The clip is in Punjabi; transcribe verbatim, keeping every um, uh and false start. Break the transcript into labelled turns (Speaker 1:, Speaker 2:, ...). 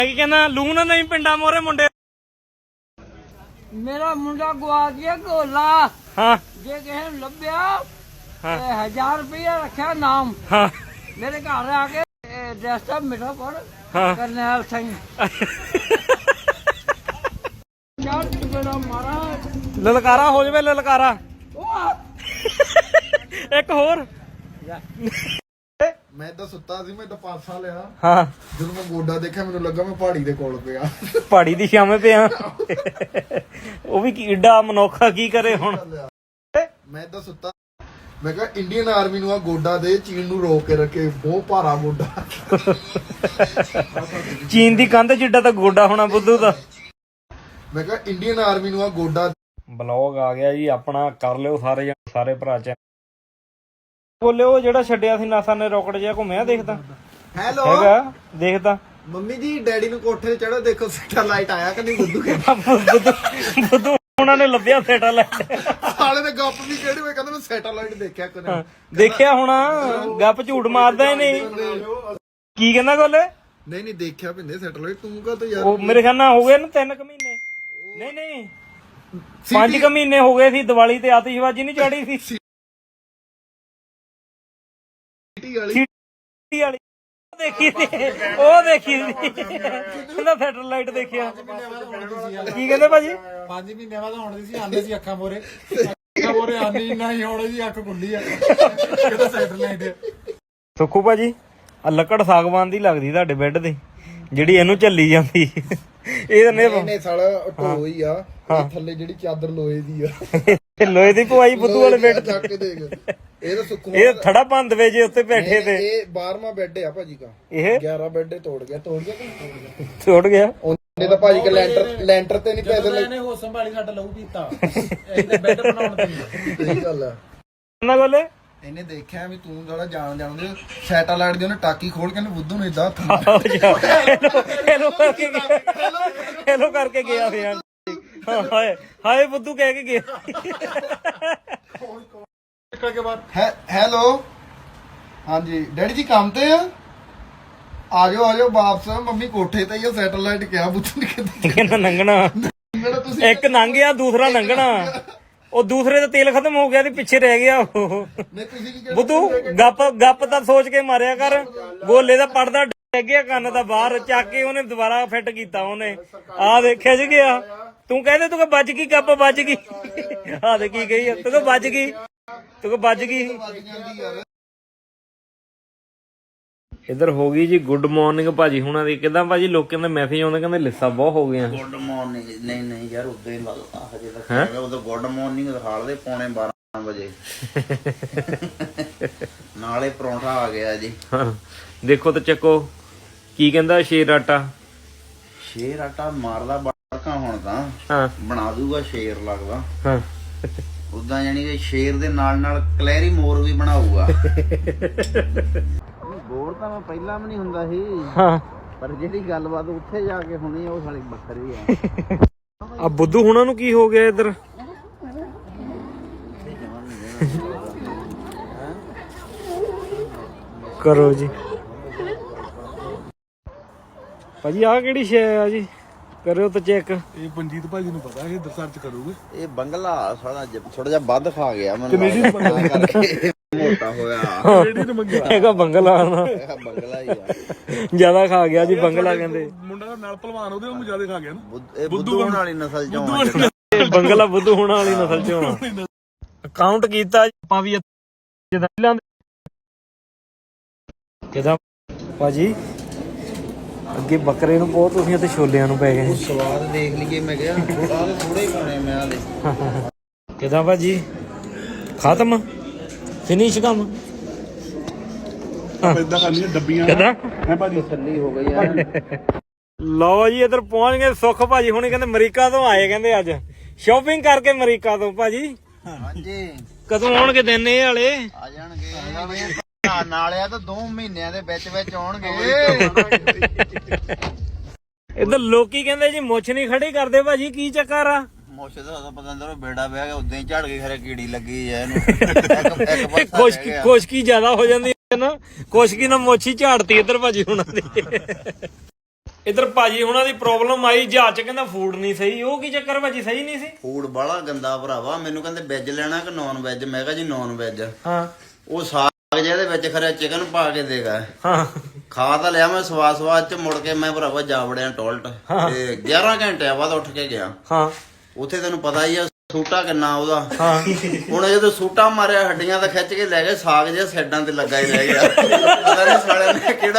Speaker 1: ਕੀ ਕਹਿੰਦਾ ਲੂ ਨਾ ਨਹੀਂ ਪਿੰਡਾਂ ਮੋਰੇ ਮੁੰਡੇ
Speaker 2: ਮੇਰਾ ਮੁੰਡਾ ਗਵਾ ਗਿਆ ਗੋਲਾ
Speaker 1: ਹਾਂ
Speaker 2: ਜੇ ਕਿਸੇ ਨੂੰ ਲੱਭਿਆ ਤੇ ਹਜ਼ਾਰ ਰੁਪਇਆ ਰੱਖਿਆ ਨਾਮ
Speaker 1: ਹਾਂ
Speaker 2: ਮੇਰੇ ਘਰ ਆ ਕੇ ਐਡਰੈਸ ਤਾਂ ਮਿਠਾ ਪੜ
Speaker 1: ਹਾਂ
Speaker 2: ਕਰਨੈਲ ਸਿੰਘ ਯਾਰ ਜਿਹੜਾ ਮਾਰਾ
Speaker 1: ਲਲਕਾਰਾ ਹੋ ਜਾਵੇ ਲਲਕਾਰਾ ਇੱਕ ਹੋਰ
Speaker 3: ਮੈਂ ਤਾਂ ਸੁੱਤਾ ਸੀ ਮੈਂ ਤਾਂ ਪਾਸਾ ਲਿਆ
Speaker 1: ਹਾਂ
Speaker 3: ਜਦੋਂ ਮੈਂ ਗੋਡਾ ਦੇਖਿਆ ਮੈਨੂੰ ਲੱਗਾ ਮੈਂ ਪਹਾੜੀ ਦੇ ਕੋਲ ਪਿਆ
Speaker 1: ਪਹਾੜੀ ਦੀ ਛਾਵੇਂ ਪਿਆ ਉਹ ਵੀ ਕੀ ਏਡਾ ਮਨੋਖਾ ਕੀ ਕਰੇ ਹੁਣ
Speaker 3: ਮੈਂ ਤਾਂ ਸੁੱਤਾ ਮੈਂ ਕਿਹਾ ਇੰਡੀਅਨ ਆਰਮੀ ਨੂੰ ਆ ਗੋਡਾ ਦੇ ਚੀਨ ਨੂੰ ਰੋਕ ਕੇ ਰੱਖੇ ਬਹੁਤ ਭਾਰਾ ਗੋਡਾ
Speaker 1: ਚੀਨ ਦੀ ਕੰਧ ਜਿੱਡਾ ਤਾਂ ਗੋਡਾ ਹੋਣਾ ਬੁੱਧੂ ਦਾ
Speaker 3: ਮੈਂ ਕਿਹਾ ਇੰਡੀਅਨ ਆਰਮੀ ਨੂੰ ਆ ਗੋਡਾ
Speaker 1: ਬਲੌਗ ਆ ਗਿਆ ਜੀ ਆਪਣਾ ਕਰ ਲਿਓ ਸਾਰੇ ਸਾਰੇ ਭਰਾ ਚ ਬੋਲਿਓ ਜਿਹੜਾ ਛੱਡਿਆ ਸੀ ਨਾਸਾ ਨੇ ਰੋਕਟ ਜਿਹਾ ਘੁੰਮਿਆ ਦੇਖਦਾ
Speaker 3: ਹੈਲੋ
Speaker 1: ਹੈਗਾ ਦੇਖਦਾ
Speaker 3: ਮੰਮੀ ਜੀ ਡੈਡੀ ਨੂੰ ਕੋਠੇ ਤੇ ਚੜੋ ਦੇਖੋ ਸੈਟਲਾਈਟ ਆਇਆ ਕਿ ਨਹੀਂ ਬੁੱਧੂ ਕੇ
Speaker 1: ਬੁੱਧੂ ਬੁੱਧੂ ਉਹਨਾਂ ਨੇ ਲੱਭਿਆ ਸੈਟਲਾਈਟ
Speaker 3: ਸਾਲੇ ਦੇ ਗੱਪ ਵੀ ਕਿਹੜੇ ਹੋਏ ਕਹਿੰਦੇ ਮੈਂ ਸੈਟਲਾਈਟ ਦੇਖਿਆ ਕਦੇ
Speaker 1: ਦੇਖਿਆ ਹੋਣਾ ਗੱਪ ਝੂਠ ਮਾਰਦਾ ਹੀ ਨਹੀਂ ਕੀ ਕਹਿੰਦਾ ਗੋਲੇ
Speaker 3: ਨਹੀਂ ਨਹੀਂ ਦੇਖਿਆ ਪਿੰਦੇ ਸੈਟਲਾਈਟ ਤੂੰ ਕਾ ਤਾਂ ਯਾਰ
Speaker 1: ਉਹ ਮੇਰੇ ਖਿਆਲ ਨਾਲ ਹੋ ਗਏ ਨਾ ਤਿੰਨ ਕੁ ਮਹੀਨੇ ਨਹੀਂ ਨਹੀਂ ਪੰਜ ਕੁ ਮਹੀਨੇ ਹੋ ਗਏ ਸੀ ਦੀਵਾਲੀ ਤੇ ਆਤਿਸ਼ਬਾਜ਼ੀ ਨਹੀਂ ਚੜੀ ਸੀ
Speaker 3: ਸਿਟੀ ਵਾਲੀ
Speaker 1: ਸਿਟੀ ਵਾਲੀ ਦੇਖੀ ਸੀ ਉਹ ਦੇਖੀ ਸੀ ਕਹਿੰਦਾ ਸੈਟਲਾਈਟ ਦੇਖਿਆ ਕੀ ਕਹਿੰਦੇ ਭਾਜੀ
Speaker 4: ਪੰਜ ਮਹੀਨਿਆਂ ਬਾਅਦ ਆਉਣ ਦੀ ਸੀ ਆਂਦੇ ਸੀ ਅੱਖਾਂ ਮੋਰੇ ਅੱਖਾਂ ਮੋਰੇ ਆਂਦੀ ਨਹੀਂ ਹੁਣ ਜੀ ਅੱਖ ਖੁੱਲੀ ਆ ਕਿਹਦਾ ਸੈਟਲਾਈਟ
Speaker 1: ਸੁੱਖੂ ਭਾਜੀ ਆ ਲੱਕੜ ਸਾਗਵਾਨ ਦੀ ਲੱਗਦੀ ਤੁਹਾਡੇ ਬੈੱਡ ਤੇ ਜਿਹੜੀ ਇਹਨੂੰ ਚੱਲੀ ਜਾਂਦੀ ਇਹ ਨੇ
Speaker 3: ਇਹਨੇ ਸਾਲਾ ਢੋਈ ਆ ਥੱਲੇ ਜਿਹੜੀ ਚਾਦਰ ਲੋਹੇ ਦੀ ਆ
Speaker 1: ਲੋਹੇ ਦੀ ਪਵਾਈ ਬੁੱਧੂ ਵਾਲੇ ਬੈੱਡ
Speaker 3: ਚੱਕ ਕੇ ਦੇਖ ਇਹ ਤਾਂ ਸੁੱਖੂ
Speaker 1: ਇਹ ਥੜਾ ਬੰਦ ਵੇ ਜੇ ਉੱਤੇ ਬੈਠੇ ਤੇ
Speaker 3: ਇਹ ਬਾਰਵਾਂ ਬੈੱਡ ਆ ਭਾਜੀ ਦਾ
Speaker 1: ਇਹ
Speaker 3: ਗਿਆਰਾਂ ਬੈੱਡ ਤੋੜ ਗਿਆ ਤੋੜ ਗਿਆ ਕਿ ਤੋੜ ਗਿਆ
Speaker 1: ਛੋੜ ਗਿਆ
Speaker 3: ਉਹਨੇ ਤਾਂ ਭਾਜੀ ਕੇ ਲੈਂਟਰ ਲੈਂਟਰ ਤੇ ਨਹੀਂ ਪੈਸੇ
Speaker 4: ਇਹਨੇ ਹੋ ਸੰਭਾਲੀ ਸਾਡਾ ਲਹੂ ਪੀਤਾ ਇਹਨੇ ਬੈੱਡ ਬਣਾਉਣ ਤੇ
Speaker 3: ਸਹੀ ਗੱਲ ਆ
Speaker 1: ਨਾ ਗੋਲੇ
Speaker 3: ਇਹਨੇ ਦੇਖਿਆ ਵੀ ਤੂੰ ਜਿਹੜਾ ਜਾਣ ਜਾਣਦੇ ਸੈਟਲਾਈਟ ਦੀ ਉਹਨੇ ਟਾਕੀ ਖੋਲ ਕੇ ਇਹਨੇ ਬੁੱਧੂ ਨੂੰ ਇਦਾਂ ਹੱਥ
Speaker 1: ਹੈਲੋ ਕਰਕੇ ਗਿਆ ਹੈਲੋ ਕਰਕੇ ਗਿਆ ਹੋਇਆ ਹਾਏ ਹਾਏ ਬੁੱਧੂ ਕਹਿ ਕੇ ਗਿਆ
Speaker 3: ਹੈਲੋ ਹਾਂਜੀ ਡੈਡੀ ਜੀ ਕੰਮ ਤੇ ਆ ਆ ਜਾਓ ਆ ਜਾਓ ਵਾਪਸ ਮੰਮੀ ਕੋਠੇ ਤੇ ਹੀ ਆ ਸੈਟਲਾਈਟ ਕਿਹਾ ਬੁੱਧੂ ਨੇ
Speaker 1: ਕਹਿੰਦਾ ਨੰਗਣਾ
Speaker 3: ਤੁਸੀਂ
Speaker 1: ਇੱਕ ਲੰਘ ਗਿਆ ਦੂਸਰਾ ਲੰਘਣਾ ਉਹ ਦੂਸਰੇ ਦਾ ਤੇਲ ਖਤਮ ਹੋ ਗਿਆ ਤੇ ਪਿੱਛੇ ਰਹਿ ਗਿਆ ਉਹ
Speaker 3: ਨਹੀਂ ਤੁਸੀਂ ਕੀ
Speaker 1: ਬੁੱਧੂ ਗੱਪ ਗੱਪ ਤਾਂ ਸੋਚ ਕੇ ਮਾਰਿਆ ਕਰ ਗੋਲੇ ਦਾ ਪੜਦਾ ਡਿੱਗ ਗਿਆ ਕੰਨ ਦਾ ਬਾਹਰ ਚੱਕ ਕੇ ਉਹਨੇ ਦੁਬਾਰਾ ਫਿੱਟ ਕੀਤਾ ਉਹਨੇ ਆ ਦੇਖਿਆ ਜੀ ਗਿਆ ਤੂੰ ਕਹਿੰਦੇ ਤੂੰ ਕਿ ਵੱਜ ਗਈ ਗੱਪ ਵੱਜ ਗਈ ਆ ਦੇ ਕੀ ਗਈ ਤੂੰ ਕਿ ਵੱਜ ਗਈ ਤੂੰ ਕਿ ਵੱਜ ਗਈ ਇੱਧਰ ਹੋ ਗਈ ਜੀ ਗੁੱਡ ਮਾਰਨਿੰਗ ਭਾਜੀ ਹੁਣਾਂ ਦੀ ਕਿਦਾਂ ਭਾਜੀ ਲੋਕਾਂ ਦੇ ਮੈਸੇਜ ਆਉਂਦੇ ਕਹਿੰਦੇ ਲਿੱਸਾ ਬਹੁਤ ਹੋ ਗਈਆਂ
Speaker 5: ਗੁੱਡ ਮਾਰਨਿੰਗ ਨਹੀਂ ਨਹੀਂ ਯਾਰ ਉਦੋਂ ਹੀ ਲੱਗਦਾ ਹਜੇ ਤੱਕ ਹੈਗਾ ਉਦੋਂ ਗੁੱਡ ਮਾਰਨਿੰਗ ਦਿਖਾਲ ਦੇ ਪੌਣੇ ਬਾਰਾਂ ਵਜੇ ਨਾਲੇ ਪਰੌਂਠਾ ਆ ਗਿਆ ਜੀ
Speaker 1: ਦੇਖੋ ਤੇ ਚੱਕੋ ਕੀ ਕਹਿੰਦਾ ਸ਼ੇਰ ਆਟਾ
Speaker 5: ਸ਼ੇਰ ਆਟਾ ਮਾਰਦਾ ਬੜਕਾ ਹੁਣ ਤਾਂ
Speaker 1: ਹਾਂ
Speaker 5: ਬਣਾ ਦੂਗਾ ਸ਼ੇਰ ਲੱਗਦਾ
Speaker 1: ਹਾਂ
Speaker 5: ਉਦਾਂ ਜਾਨੀ ਕਿ ਸ਼ੇਰ ਦੇ ਨਾਲ ਨਾਲ ਕਲੈਰੀ ਮੋਰ ਵੀ ਬਣਾਊਗਾ ਗੋਰ ਤਾਂ ਮੈਂ ਪਹਿਲਾਂ ਵੀ ਨਹੀਂ ਹੁੰਦਾ ਸੀ
Speaker 1: ਹਾਂ
Speaker 5: ਪਰ ਜਿਹੜੀ ਗੱਲਬਾਤ ਉੱਥੇ ਜਾ ਕੇ ਹੋਣੀ ਉਹ ਸਾਲੀ ਵੱਖਰੀ ਆ
Speaker 1: ਆ ਬੁੱਧੂ ਹੁਣਾਂ ਨੂੰ ਕੀ ਹੋ ਗਿਆ ਇੱਧਰ ਕਰੋ ਜੀ ਭਾਜੀ ਆ ਕਿਹੜੀ ਸ਼ੈ ਆ ਜੀ ਕਰਿਓ ਤਾਂ ਚੈੱਕ
Speaker 4: ਇਹ ਮਨਜੀਤ ਭਾਜੀ ਨੂੰ ਪਤਾ ਇਹ ਸਰਚ ਕਰੂਗੇ
Speaker 5: ਇਹ ਬੰਗਲਾ ਸਾਡਾ ਥੋੜਾ ਜਿਹਾ ਵੱਧ ਖਾ ਗਿਆ ਮੈਨੂੰ ਕਰਕੇ ਮੋਟਾ ਹੋਇਆ
Speaker 1: ਹੈਗਾ ਬੰਗਲਾ ਨਾ
Speaker 5: ਬੰਗਲਾ ਹੀ ਆ
Speaker 1: ਜਿਆਦਾ ਖਾ ਗਿਆ ਜੀ ਬੰਗਲਾ ਕਹਿੰਦੇ
Speaker 4: ਮੁੰਡਾ ਨਾਲ ਪਹਿਲਵਾਨ ਉਹਦੇ ਉਹਨੂੰ ਜ਼ਿਆਦਾ ਖਾ ਗਿਆ ਨਾ
Speaker 5: ਇਹ ਬੁੱਧੂ ਹੋਣ ਵਾਲੀ ਨਸਲ ਚੋਂ ਆ
Speaker 1: ਇਹ ਬੰਗਲਾ ਬੁੱਧੂ ਹੋਣ ਵਾਲੀ ਨਸਲ ਚੋਂ ਆ ਅਕਾਊਂਟ ਕੀਤਾ ਆਪਾਂ ਵੀ ਜਦਾਂ ਕਿਦਾਂ ਭਾਜੀ ਅੱਗੇ ਬੱਕਰੇ ਨੂੰ ਬਹੁਤ ਤੁਸੀਂ ਤੇ ਛੋਲਿਆਂ ਨੂੰ ਪੈ ਗਏ
Speaker 5: ਸਵਾਦ ਦੇਖ ਲਈਏ ਮੈਂ ਕਿਹਾ ਥੋੜਾ ਥੋੜੇ ਪਾਣੇ ਮੈਂ ਆਲੇ
Speaker 1: ਕਿਦਾਂ ਭਾਜੀ ਖਤਮ ਫਿਨਿਸ਼ ਕੰਮ
Speaker 4: ਇਦਾਂ ਕਰਨੀਆਂ ਡੱਬੀਆਂ
Speaker 1: ਕਿਦਾਂ
Speaker 4: ਹੈ ਭਾਜੀ
Speaker 5: ਥੱਲੀ ਹੋ ਗਈ ਯਾਰ
Speaker 1: ਲਓ ਜੀ ਇੱਧਰ ਪਹੁੰਚ ਗਏ ਸੁੱਖ ਭਾਜੀ ਹੁਣੇ ਕਹਿੰਦੇ ਅਮਰੀਕਾ ਤੋਂ ਆਏ ਕਹਿੰਦੇ ਅੱਜ ਸ਼ਾਪਿੰਗ ਕਰਕੇ ਅਮਰੀਕਾ ਤੋਂ ਭਾਜੀ
Speaker 5: ਹਾਂਜੀ
Speaker 1: ਕਦੋਂ ਆਉਣਗੇ ਦਿਨ ਇਹ ਵਾਲੇ
Speaker 5: ਆ ਜਾਣਗੇ ਨਾਲਿਆ ਤਾਂ ਦੋ ਮਹੀਨਿਆਂ ਦੇ ਵਿੱਚ ਵਿੱਚ ਆਉਣਗੇ
Speaker 1: ਇੱਧਰ ਲੋਕੀ ਕਹਿੰਦੇ ਜੀ ਮੁੱਛ ਨਹੀਂ ਖੜੀ ਕਰਦੇ ਭਾਜੀ ਕੀ ਚੱਕਰ ਆ
Speaker 5: ਮੁੱਛ ਦਾ ਤਾਂ ਪਤਾ ਅੰਦਰ ਬੇੜਾ ਪਿਆ ਗਿਆ ਉਦਾਂ ਹੀ ਝੜ ਗਈ ਖਰੇ ਕੀੜੀ ਲੱਗੀ ਐ ਇਹਨੂੰ ਇੱਕ ਇੱਕ ਪਾਸਾ
Speaker 1: ਖੁਸ਼ਕੀ ਖੁਸ਼ਕੀ ਜ਼ਿਆਦਾ ਹੋ ਜਾਂਦੀ ਹੈ ਨਾ ਖੁਸ਼ਕੀ ਨਾਲ ਮੁੱਛ ਹੀ ਝਾੜਤੀ ਇੱਧਰ ਭਾਜੀ ਹੁਣਾਂ ਦੀ ਇਧਰ ਭਾਜੀ ਹੁਣਾਂ ਦੀ ਪ੍ਰੋਬਲਮ ਆਈ ਜਹਾਜ਼ ਚ, ਕਹਿੰਦਾ ਫੂਡ ਨਹੀਂ ਸਹੀ। ਉਹ ਕੀ ਚੱਕਰ ਭਾਜੀ, ਸਹੀ ਨਹੀਂ ਸੀ?
Speaker 5: ਫੂਡ ਬਾਲਾ ਗੰਦਾ ਭਰਾਵਾ। ਮੈਨੂੰ ਕਹਿੰਦੇ ਵੈਜ ਲੈਣਾ ਕਿ ਨੌਨ ਵੈਜ? ਮੈਂ ਕਿਹਾ ਜੀ ਨੌਨ ਵੈਜ।
Speaker 1: ਹਾਂ
Speaker 5: ਉਹ ਸਾਗ ਜਿਹਦੇ ਵਿੱਚ ਖਰਿਆ ਚਿਕਨ ਪਾ ਕੇ ਦੇਗਾ।
Speaker 1: ਹਾਂ
Speaker 5: ਖਾ ਤਾਂ ਲਿਆ ਮੈਂ ਸਵਾਦ ਸਵਾਦ ਚ, ਮੁੜ ਕੇ ਮੈਂ ਭਰਾਵਾ ਜਾ ਵੜਿਆ ਟੋਇਲਟ ਤੇ ਗਿਆਰਾਂ ਘੰਟਿਆਂ ਬਾਅਦ ਉੱਠ ਕੇ ਗਿਆ।
Speaker 1: ਹਾਂ
Speaker 5: ਉੱਥੇ ਤੈਨੂੰ ਪਤਾ ਹੀ ਆ ਸੂਟਾ ਕਿੰਨਾ ਉਹਦਾ।
Speaker 1: ਹਾਂ
Speaker 5: ਹੁਣ ਜਦੋਂ ਸੂਟਾ ਮਾਰਿਆ ਹੱਡੀਆਂ ਤਾਂ ਖਿੱਚ ਕੇ ਲੈ ਗਏ, ਸਾਗ ਜਿਹਾ ਸਾਈਡਾਂ ਤੇ ਲੱਗਾ ਹੀ ਰਹਿ ਗਿਆ। ਪਤਾ ਨਹੀਂ ਸਾਲਿਆਂ ਨੇ ਕਿਹੜਾ